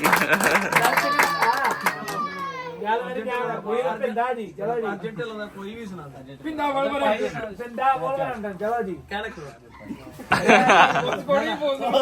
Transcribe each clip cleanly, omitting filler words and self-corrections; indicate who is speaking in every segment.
Speaker 1: ਗੱਲ ਮੇਰੀ ਕਹਿਣਾ ਕੋਈ ਨਾ ਪਿੰਡਾ ਜੀ ਚਲੋ ਜੀ
Speaker 2: ਅਰਜੈਂਟ ਲਾਉਂਦਾ ਕੋਈ ਵੀ ਸੁਣਾਉਂਦਾ
Speaker 1: ਪਿੰਡਾ ਬੋਲ ਪਿੰਡਾ ਬੋਲ ਚਲੋ ਜੀ
Speaker 2: ਕਹਿ ਰੱਖੋ
Speaker 1: ਕੋਈ ਬੋਲਦਾ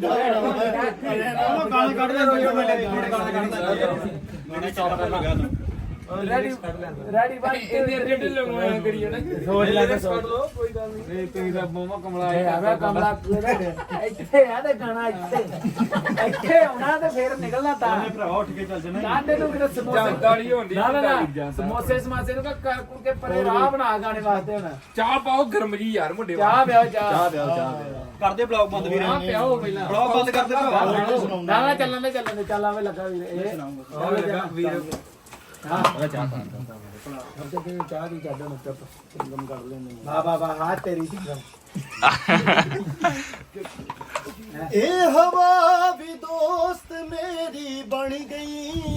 Speaker 3: ਗਾਣੇ ਕੱਢ ਲੈ ਗਾਣੇ ਕੱਢਦਾ
Speaker 1: ਰੈਡੀ ਬਾਈ ਇਹਦੇ ਅਰਜੈਂਟ ਲਗਵਾਇਆ ਕਰੀਏ ਨਾ ਸੋਚ ਲੈ ਕੇ ਸੋਚ
Speaker 2: ਲਓ ਕੋਈ ਗੱਲ ਨਹੀਂ
Speaker 1: ਇਹ ਤੁਸੀਂ ਤਾਂ ਮੋਮਾ ਕਮਲਾ ਆਇਆ ਕਮਲਾ ਇੱਥੇ ਆ ਤੇ ਗਾਣਾ ਇੱਥੇ ਆਉਣਾ ਤੇ ਫੇਰ ਨਿਕਲਣਾ ਤਾਂ
Speaker 3: ਭਰਾ ਉੱਠ ਕੇ ਚੱਲ ਜਾਣਾ
Speaker 1: ਕਾਂਡੇ ਨੂੰ ਕਿਤੇ ਸਮੋਸੇ ਦਾੜੀ ਹੁੰਦੀ ਨਾ ਸਮੋਸੇ ਸਮਾਸੇ ਨੂੰ ਕਰ ਕੁੜ ਕੇ ਪਰੇ ਰਾਹ ਬਣਾ ਗਾਣੇ ਵਾਸਤੇ ਹੁਣ
Speaker 4: ਚਾਹ ਪਾਓ ਗਰਮ ਜੀ ਯਾਰ ਮੁੰਡੇ
Speaker 1: ਚਾਹ ਪਿਆਓ ਚਾਹ
Speaker 3: ਕਰਦੇ ਬਲੌਗ ਬੰਦ ਵੀਰੇ
Speaker 1: ਚਾਹ ਪਿਆਓ ਪਹਿਲਾਂ
Speaker 3: ਬਲੌਗ ਬੰਦ ਕਰਦੇ ਭਰਾ
Speaker 1: ਨਾ ਚੱਲਣ ਦੇ ਚੱਲ ਆਵੇ ਲੱਗਾ ਵੀਰ ਇਹ
Speaker 2: ਵੀਰ
Speaker 1: ਹਾਂ ਚਾਹ ਪਾ ਤੇ ਚਾਹ ਦੀ ਚੱਡਣ ਉੱਤੇ ਸਿੰਗਮ ਕਰ ਲੈਂਦੇ ਵਾਹ ਹਾਂ ਤੇਰੀ ਸਿੰਗਮ
Speaker 5: ਇਹ ਹਵਾ ਵੀ ਦੋਸਤ ਮੇਰੀ ਬਣ ਗਈ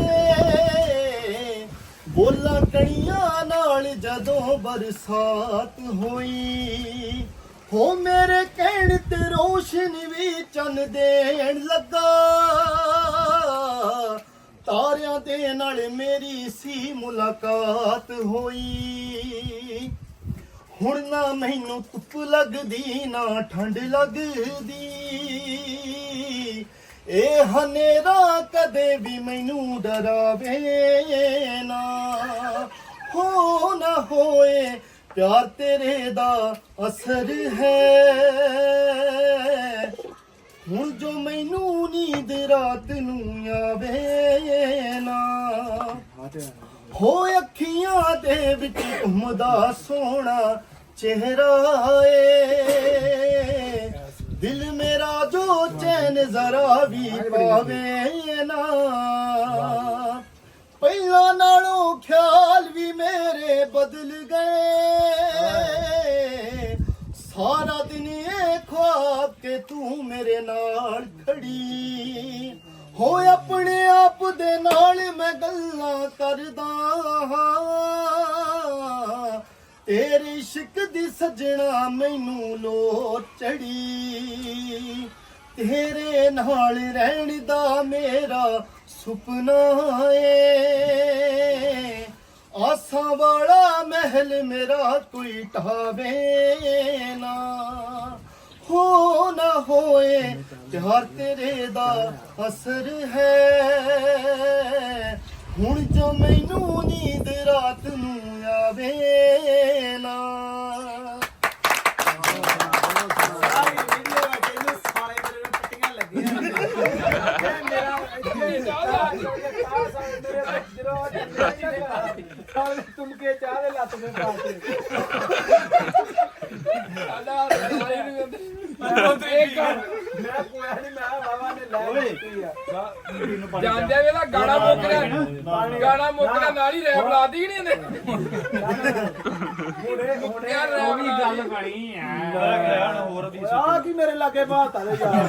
Speaker 5: ਏ ਬੋਲਾਂ ਕਣੀਆਂ ਨਾਲ ਜਦੋਂ ਬਰਸਾਤ ਹੋਈ ਹੋ ਮੇਰੇ ਕਹਿਣ ਤੇ ਰੋਸ਼ਨ ਵੀ ਚੰਨ ਦੇਣ ਲੱਗਾ ਤਾਰਿਆਂ ਦੇ ਨਾਲ ਮੇਰੀ ਸੀ ਮੁਲਾਕਾਤ ਹੋਈ ਹੁਣ ਨਾ ਮੈਨੂੰ ਧੁੱਪ ਲੱਗਦੀ ਨਾ ਠੰਡ ਲੱਗਦੀ ਇਹ ਹਨੇਰਾ ਕਦੇ ਵੀ ਮੈਨੂੰ ਡਰਾਵੇ ਨਾ ਹੋ ਨਾ ਹੋਏ ਪਿਆਰ ਤੇਰੇ ਦਾ ਅਸਰ ਹੈ ਹੁਣ ਜੋ ਮੈਨੂੰ ਨੀਂਦ ਰਾਤ ਨੂੰ ਆਵੇ ਨਾ ਹੋ ਅੱਖੀਆਂ ਦੇ ਵਿੱਚ ਘੁੰਮਦਾ ਸੋਹਣਾ ਚਿਹਰਾ ਏ ਦਿਲ ਮੇਰਾ ਜੋ ਚੈਨ ਜ਼ਰਾ ਵੀ ਪਾਵੇ ਨਾ ਪਹਿਲਾਂ ਨਾਲੋਂ ਖਿਆਲ ਵੀ ਮੇਰੇ ਬਦਲ ਗਏ ਸਾਰਾ ਦਿਨ ਇਹ ख्वाब के तू मेरे नाल खड़ी हो अपने आप दे नाल मैं गल्लां करदा हां तेरे इश्क दी सजना मैनू लोट चढ़ी तेरे नाल रहण दा मेरा सुपना ए आसा वाला महल मेरा कोई ढावे ना हो ना होए प्यार तेरे दा असर है हुण जो मैनू नींद रात नू आवे ना
Speaker 1: तुमके चाह ले लत में पाते मैं कोया नहीं मैं बाबा ने ले
Speaker 4: ਜਾਂਦੇ ਵੇਲਾ ਗਾਣਾ ਮੁੱਕਦਾ ਨਾਲ ਹੀ ਰੈਪ ਲਾਦੀ ਨਹੀਂ ਇਹਨੇ
Speaker 1: ਹੁਣੇ
Speaker 4: ਯਾਰ
Speaker 1: ਉਹ ਵੀ
Speaker 4: ਰੈਪ
Speaker 1: ਗੱਲ ਬਣੀ
Speaker 3: ਹੋਰ ਵੀ
Speaker 1: ਆ ਕੀ ਮੇਰੇ ਲਾਗੇ ਬਾਤ ਆ ਯਾਰ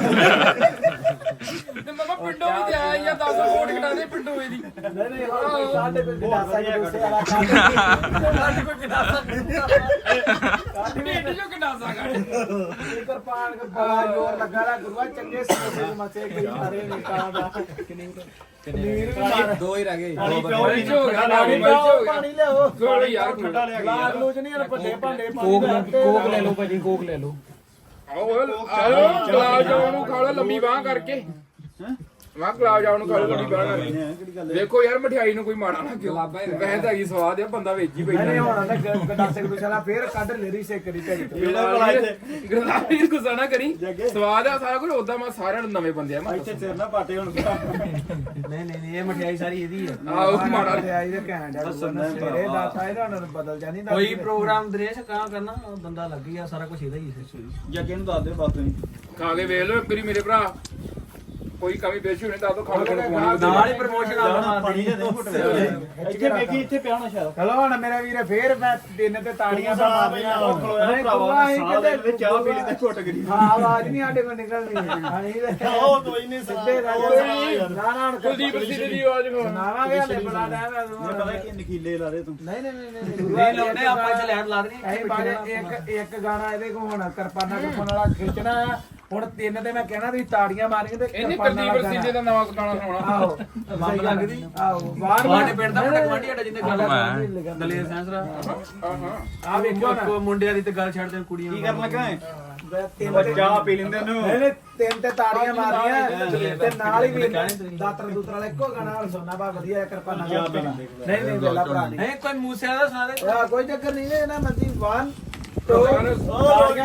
Speaker 4: ਤੇ ਮਮਾ ਪਿੰਡੋਂ ਵੀ ਤੇ ਆਇਆ ਜਾਂ 10 ਵੋਟ ਕਟਾ ਦੇ ਪਿੰਡੋਂ ਇਹਦੀ
Speaker 1: ਨਹੀਂ ਹੁਣ ਸਾਡੇ ਕੋਈ ਗਲਾਸਾ ਜੂਸੇ ਵਾਲਾ ਸਾਡੇ ਕੋਈ ਗਲਾਸਾ
Speaker 4: ਪਿੰਡ ਚੋਂ ਕਿੰਨਾਸਾ ਗਾੜੀ
Speaker 1: ਇਧਰ ਪਾਣ ਕੇ ਬੜਾ ਜ਼ੋਰ ਲੱਗਾ ਰਾ ਗੁਰੂਆ ਚੰਗੇ ਸਮੋਸੇ ਮਸੇ ਕਈ ਸਾਰੇ ਨਿਕਾਂ ਦਾ ਪਨੀਰ ਵੀ ਮਾਰ
Speaker 2: ਦੋ ਹੀ ਰਹਿ ਗਏ
Speaker 4: ਮਿਰਚ ਹੋ ਗਿਆ ਨਾਲ ਮਿਰਚ ਹੋ ਗਿਆ
Speaker 1: ਪਾਣੀ ਲਿਆਓ
Speaker 4: ਥੋੜੀ ਯਾਰ
Speaker 3: ਠੰਡਾ ਲਿਆ
Speaker 1: ਲਾਲ ਲੂਜ ਨਹੀਂ ਵੱਡੇ ਭਾਂਡੇ ਕੋਕ ਲੈ ਲਓ ਭਾਜੀ ਕੋਕ ਲੈ ਲਓ
Speaker 4: ਆਓ ਗੁਲਾਬ ਜਾਮੁਨ ਨੂੰ ਖਾ ਲਓ ਲੰਮੀ ਬਾਹ ਕਰਕੇ ਮੈਂ ਗੁਲਾਬ ਜਾਮੁਨ ਨੂੰ ਖਾ ਲਓ ਲੰਮੀ ਬਾਹ ਕਰਕੇ ਦੇਖੋ ਯਾਰ ਮਠਿਆਈ ਨੂੰ ਕੋਈ ਮਾੜਾ ਨਾ ਕਿਉਂ ਵੈਸੇ ਤਾਂ ਹੈਗੀ ਸਵਾਦ ਆ ਬੰਦਾ ਵੇਚ ਹੀ ਬੈਠਾ
Speaker 1: ਨਹੀਂ ਹੁਣ ਤਾਂ ਗੰਡਾਸੇ ਗੁਸਾਲਾ ਫੇਰ ਕੱਢ ਲੈਰੀ ਸੇ ਕਰੀ ਤੇ
Speaker 4: ਗੁਲਾਬੀ ਗੁੱਸਾ ਨਾ ਕਰੀ ਸਵਾਦ ਆ ਸਾਰਾ ਕੁਝ ਉਦਾਂ ਮੈਂ ਸਾਰਿਆਂ ਨੂੰ ਨਵੇਂ ਬੰਦੇ ਆ ਮੈਂ
Speaker 3: ਇੱਥੇ ਸਿਰ ਨਾ ਪਾਟੇ ਹੁਣ
Speaker 2: ਨਹੀਂ ਇਹ ਮਠਿਆਈ ਸਾਰੀ ਇਹਦੀ ਹੈ
Speaker 4: ਆਹ ਮਾੜਾ
Speaker 1: ਆਈ ਦੇ ਘੈਂਟ ਆ ਸਵੇਰੇ ਦਾਤਾ ਇਹਦਾ ਹੁਣ ਬਦਲ ਜਾਣੀ ਦਾ
Speaker 2: ਕੋਈ ਪ੍ਰੋਗਰਾਮ ਦਰੇਸ਼ ਕਾ ਕਰਨਾ ਬੰਦਾ ਲੱਗ ਗਿਆ ਸਾਰਾ ਕੁਝ ਇਹਦਾ ਹੀ ਹੈ
Speaker 3: ਜੱਗੇ ਨੂੰ ਦੱਸ ਦੇ ਬਾਤ ਤੁਸੀਂ
Speaker 4: ਖਾ ਕੇ ਵੇਖ ਲਓ ਇੱਕ ਵਾਰੀ ਮੇਰੇ ਭਰਾ ਕੋਈ ਕਮੀ ਪੇਸ਼ੀ ਹੋਣੀ ਤਾਂ ਖਾ ਲਓ
Speaker 2: ਨਾਲ ਹੀ ਪ੍ਰਮੋਸ਼ਨ ਆ
Speaker 3: ਪਾਣੀ ਦੇ ਘੁੱਟ ਇੱਥੇ ਵੇਖੀ ਇੱਥੇ ਪਿਆ ਹੋਣਾ ਸ਼ਾਇਦ
Speaker 1: ਚਲੋ ਹੁਣ ਮੇਰਾ ਵੀਰੇ ਫੇਰ ਮੈਂ ਦਿਨ ਤੇ ਤਾੜੀਆਂ ਦਾ ਮਾਰਨੀਆਂ
Speaker 3: ਉਹ ਖਲੋਇਆ ਭਰਾਵਾ ਸਾਹ ਦੇ ਵਿੱਚ ਚਾਹ ਪੀ ਲਈ ਤੇ ਘੁੱਟ ਗਈ
Speaker 1: ਹਾਂ ਆਵਾਜ਼ ਨਹੀਂ ਸਾਡੇ ਕੋਲ ਨਿਕਲਦੀ ਹਾਂਜੀ
Speaker 3: ਉਹ ਕੋਈ ਨਹੀਂ
Speaker 1: ਸਿੱਧੇ ਰਾਜਾ ਨਾ
Speaker 4: ਕੁਲਦੀਪ ਸਿੰਘ ਦੀ ਆਵਾਜ਼ ਖੋ
Speaker 1: ਨਾਵਾਂਗੇ ਹਲੇ ਬੜਾ ਟਾਈਮ ਹੈ
Speaker 3: ਮੈਨੂੰ ਪਤਾ ਕਿ ਨਕੀਲੇ ਲਾ ਦੇ ਤੂੰ
Speaker 1: ਨਹੀਂ
Speaker 2: ਨਹੀਂ ਲਾਉਂਦੇ ਆਪਾਂ ਇੱਥੇ ਲੈਟ ਲਾ ਦੇਣੀ
Speaker 1: ਇਹ ਬਾਰੇ ਇੱਕ ਗਾਣਾ ਇਹਦੇ ਕੋ ਹੁਣ ਕਿਰਪਾਨਾ ਕੱਪਣ ਵਾਲਾ ਖਿੱਚਣਾ ਹੁਣ 3 ਤੇ ਮੈਂ ਕਹਿਣਾ ਤੁਸੀਂ ਤਾੜੀਆਂ ਮਾਰੀਆਂ ਤੇ
Speaker 4: ਇਹਨੇ
Speaker 1: ਕਿਰਪਾਨਾਂ
Speaker 4: ਕੁਲਦੀਪ
Speaker 1: ਨਾਲ
Speaker 4: ਸਿੰਘੇ ਦਾ ਨਵਾਂ ਗਾਣਾ ਸੁਣਾਉਣਾ
Speaker 1: ਆਹੋ
Speaker 2: ਬੰਬ ਲੱਗਦੀ
Speaker 1: ਆਹੋ ਬਾਹਰ
Speaker 2: ਸਾਡੇ ਪਿੰਡ ਦਾ ਮੁੰਡਾ ਗਵਾਂਢੀ ਸਾਡਾ ਜਿੰਨੇ ਗੱਲ
Speaker 1: ਮੈਂ
Speaker 2: ਦਲੇਰ ਸੈਂਸਰਾ
Speaker 1: ਆ ਵੇਖੋ ਨਾ
Speaker 2: ਕੋ ਮੁੰਡਿਆਂ ਦੀ ਤੇ ਗੱਲ ਛੱਡ ਦੇ ਕੁੜੀਆਂ
Speaker 3: ਕੀ ਕਰਨ ਲੱਗਾ ਹੈ
Speaker 1: ਤਿੰਨ ਤੇ
Speaker 3: ਚਾਹ ਪੀ ਲੈਂਦੇ ਨੂੰ
Speaker 1: ਇਹਨੇ 3 ਤੇ ਤਾੜੀਆਂ ਮਾਰੀਆਂ ਤੇ ਨਾਲ ਹੀ ਵੀ ਦਾਤਰ ਦੂਤਰ ਵਾਲਾ ਇੱਕੋ ਗਾਣਾ ਸੁਣਨਾ ਬਾ ਵਧੀਆ ਕਿਰਪਾਨਾਂ ਨਾਲ ਨਹੀਂ ਨਹੀਂ ਵੇਲਾ ਭਰਾ ਨਹੀਂ
Speaker 2: ਨਹੀਂ ਕੋਈ ਮੂਸੇ ਦਾ ਸੁਣਾ ਦੇ
Speaker 1: ਆ ਕੋਈ ਚੱਕਰ ਨਹੀਂ ਹੈ ਨਾ ਮਰਜੀ 1 2 ਤਾੜੀਆਂ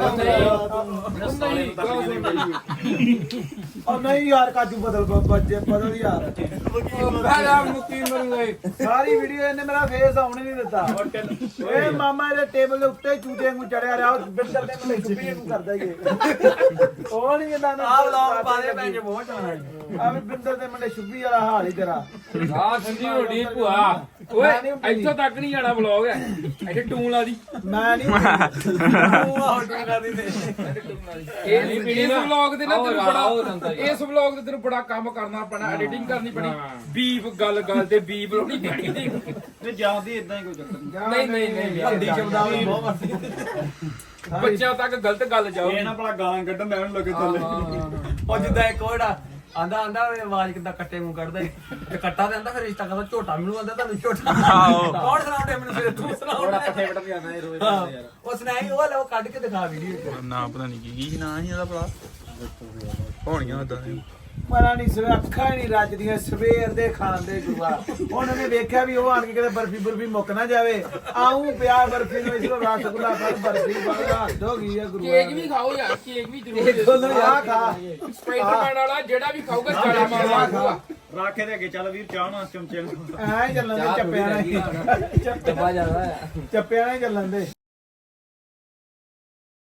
Speaker 1: ਉਹ ਨਹੀਂ ਯਾਰ ਕਾਜੂ ਬਦਲ ਯਾਰ ਸਾਰੀ ਵੀਡੀਓ ਇਹਨੇ ਮੇਰਾ ਫੇਸ ਆਉਣ ਹੀ ਨਹੀਂ ਦਿੱਤਾ ਇਹ ਮਾਮਾ ਇਹਦੇ ਟੇਬਲ ਦੇ ਉੱਤੇ ਚੂਤੇ ਵਾਂਗੂ ਚੜਿਆ ਰਿਹਾ ਬਿੰਦਰ ਦੇ ਮੈਨੂੰ ਚੁੱਪੀ ਨੂੰ ਕਰਦਾ ਹੀ ਉਹ ਨਹੀਂ ਕਹਿੰਦਾ ਨਾ
Speaker 2: ਆ ਵਲੌਗ ਪਾ ਦੇ ਭੈਣ ਜੀ ਬਹੁਤ ਚਾਹਣਾ
Speaker 1: ਆ ਵੀ ਬਿੰਦਰ ਦੇ ਮੁੰਡੇ ਛੁੱਬੀ ਵਾਲਾ ਹਾਲ ਹੀ ਤੇਰਾ
Speaker 4: ਆ ਸੰਜੀ ਹੋਡੀ ਭੂਆ ਓਏ ਇੱਥੋਂ ਤੱਕ ਨਹੀਂ ਜਾਣਾ ਵਲੌਗ ਹੈ ਇੱਥੇ ਟੂਨ ਲਾ ਦੀ
Speaker 1: ਮੈਂ ਨਹੀਂ
Speaker 4: ਇਸ ਵਲੌਗ ਦੇ ਨਾ ਤੈਨੂੰ ਬੜਾ ਇਸ ਵਲੌਗ ਦੇ ਤੈਨੂੰ ਬੜਾ ਕੰਮ ਕਰਨਾ ਪੈਣਾ ਐਡੀਟਿੰਗ ਕਰਨੀ ਪੈਣੀ ਬੀਪ ਗੱਲ ਤੇ ਬੀਪ ਲਾਉਣੀ ਪੈਣੀ
Speaker 3: ਤੇ ਜਾਂਦੀ ਇਦਾਂ ਹੀ ਕੋਈ ਚੱਕਰ ਨਹੀਂ
Speaker 4: ਨਹੀਂ
Speaker 2: ਹੱਦੀ ਸ਼ਬਦਾਵਲੀ ਬਹੁਤ ਵਰਤੀ
Speaker 4: ਬੱਚਿਆਂ ਤੱਕ ਗਲਤ ਗੱਲ ਜਾਓ
Speaker 3: ਇਹ ਨਾ ਭਲਾ ਗਾਲਾਂ ਕੱਢਣ ਦਾ ਉਹਨੂੰ ਲੱਗੇ ਥੱਲੇ
Speaker 2: ਉਹ ਜਿੱਦਾਂ ਇੱਕ ਕੋੜਾ ਆਂਦਾ ਆਵਾਜ਼ ਕਿੱਦਾਂ ਕੱਟੇ ਮੂੰਹ ਕੱਢਦਾ ਤੇ ਕੱਟਾ ਤੇ ਆਂਦਾ ਫਿਰ ਰਿਸ਼ਤਾ ਕਰਦਾ ਝੋਟਾ ਮੈਨੂੰ ਆਂਦਾ ਤੁਹਾਨੂੰ ਝੋਟਾ ਕੌਣ ਸੁਣਾਉਂਦੇ ਮੈਨੂੰ ਫਿਰ ਤੂੰ ਸੁਣਾਉਂਦਾ
Speaker 3: ਪੱਠੇ ਵਟਣ ਜਾਂਦਾ ਇਹ ਰੋਜ਼
Speaker 2: ਉਹ ਸੁਣਾਈ ਉਹ ਲਓ ਕੱਢ ਕੇ ਦਿਖਾ ਵੀਡੀਓ
Speaker 6: ਨਾ ਪਤਾ ਨਹੀਂ ਕੀ ਨਾਂ ਸੀ ਇਹਦਾ ਭਲਾ ਹੋਣੀਆਂ ਉਦਾਂ ਦੇ
Speaker 1: ਮਰਾ ਨਹੀਂ ਸਵੇ ਅੱਖਾਂ ਹੀ ਨਹੀਂ ਰੱਜਦੀਆਂ ਸਵੇਰ ਦੇ ਖਾਣ ਦੇ ਗੁਰੂਆ ਉਹਨਾਂ ਨੇ ਵੇਖਿਆ ਵੀ ਉਹ ਆਣ ਕੇ ਕਿਤੇ ਬਰਫੀ ਮੁੱਕ ਨਾ ਜਾਵੇ ਆਉਂ ਪਿਆ ਬਰਫੀ ਨੂੰ ਇਸੋ ਰਸਗੁੱਲਾ ਪਰ ਬਰਫੀ ਬੜਾ ਹੱਦ ਹੋ ਗਈ ਆ ਗੁਰੂਆ
Speaker 4: ਕੇਕ ਵੀ ਖਾਓ ਯਾਰ ਕੇਕ ਵੀ ਜ਼ਰੂਰ
Speaker 1: ਦੋਨੋਂ ਆ ਖਾ
Speaker 4: ਸਪਾਈਡਰਮੈਨ ਵਾਲਾ ਜਿਹੜਾ ਵੀ ਖਾਊਗਾ ਚਾਲਾ ਮਾਰਦਾ
Speaker 3: ਰਾਖੇ ਦੇ ਅੱਗੇ ਚੱਲ ਵੀਰ ਚਾਹ ਨਾਲ ਚਮਚੇ ਨੂੰ
Speaker 1: ਐ ਚੱਲਣ ਦੇ ਚੱਪਿਆਂ ਨਾਲ
Speaker 2: ਡੱਬਾ ਜ਼ਿਆਦਾ ਆ
Speaker 1: ਚੱਪਿਆਂ ਨਾਲ ਚੱਲਣ ਦੇ